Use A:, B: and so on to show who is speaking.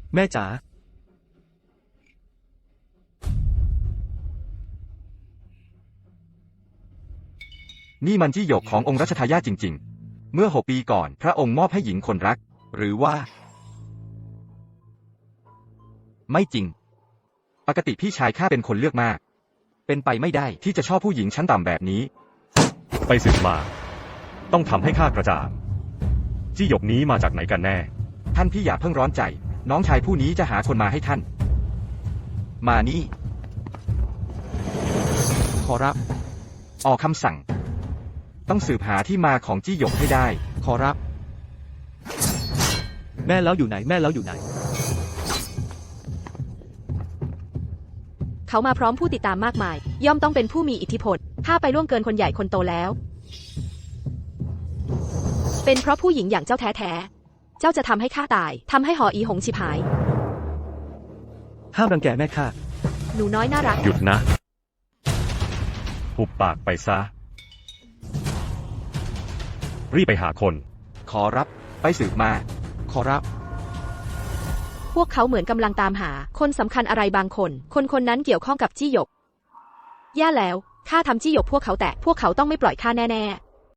A: แม่จ๋า
B: นี่มันจี้หยกขององค์รัชทายาทจริงๆเมื่อ6 ปีก่อนพระองค์มอบให้หญิงคนรักหรือว่าไม่จริงปกติพี่ชายข้าเป็นคนเลือกมากเป็นไปไม่ได้ที่จะชอบผู้หญิงชั้นต่ำแบบนี้
C: ไปสืบมาต้องทำให้ข้ากระจ่างจี้หยกนี้มาจากไหนกันแน่
B: ท่านพี่อย่าเพิ่งร้อนใจน้องชายผู้นี้จะหาคนมาให้ท่านมานี่ขอรับออกคำสั่งต้องสืบหาที่มาของจี้หยกให้ได้ขอรับ
A: แม่แล้วอยู่ไหนแม่แล้วอยู่ไหน
D: เขามาพร้อมผู้ติดตามมากมายย่อมต้องเป็นผู้มีอิทธิพลถ้าไปล่วงเกินคนใหญ่คนโตแล้วเป็นเพราะผู้หญิงอย่างเจ้าแท้ๆเจ้าจะทำให้ข้าตายทำให้หออีหงฉิบหาย
A: ห้ามรังแกแม่ข้า
D: หนูน้อยน่ารัก
C: หยุดนะหุบปากไปซะรีบไปหาคน
B: ขอรับไปสืบมาขอรับ
D: พวกเขาเหมือนกำลังตามหาคนสำคัญอะไรบางคนคนนั้นเกี่ยวข้องกับจี้หยกแย่แล้วข้าทำจี้หยกพวกเขาแต่พวกเขาต้องไม่ปล่อยข้าแน่ๆ